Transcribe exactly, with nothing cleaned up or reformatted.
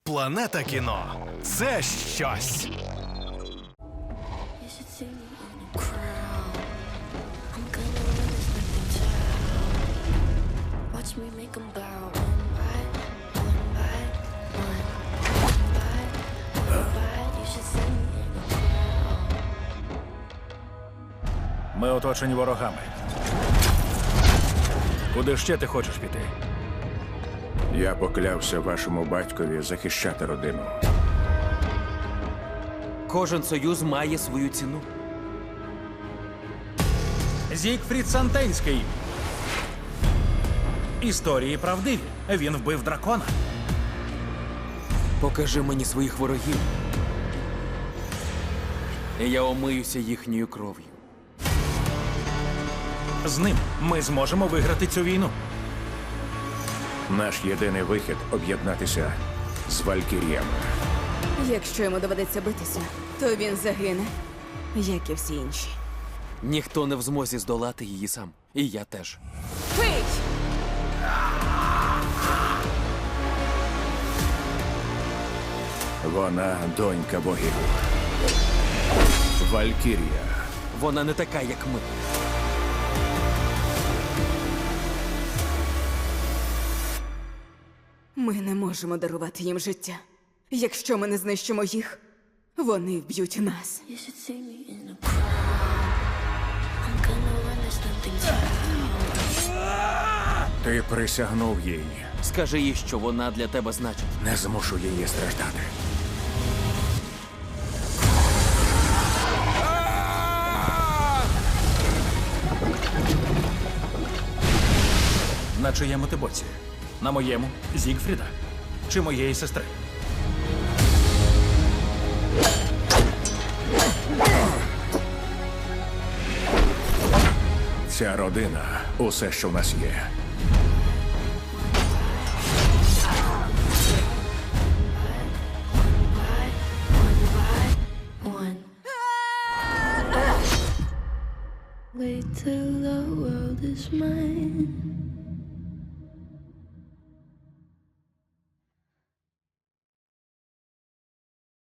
Планета кіно – це щось. Ми оточені ворогами. Куди ще ти хочеш піти? Я поклявся вашому батькові захищати родину. Кожен союз має свою ціну. Зігфрід Сантенський. Історії правдиві. Він вбив дракона. Покажи мені своїх ворогів. І я омиюся їхньою кров'ю. З ним ми зможемо виграти цю війну. Наш єдиний вихід – об'єднатися з Валькіріями. Якщо йому доведеться битися, то він загине, як і всі інші. Ніхто не в змозі здолати її сам. І я теж. Пий! Вона – донька богів. Валькірія. Вона не така, як ми. Ми не можемо дарувати їм життя. Якщо ми не знищимо їх, вони вб'ють нас. You should see me in a crowd. I'm gonna run this nothing town. Ти присягнув їй. Скажи їй, що вона для тебе значить. Не змушу її страждати. На чиєму ти боці? На моєму Зігфріда? Чи моєї сестри? Ця родина – усе, що в нас є. One. Wait till the world is mine.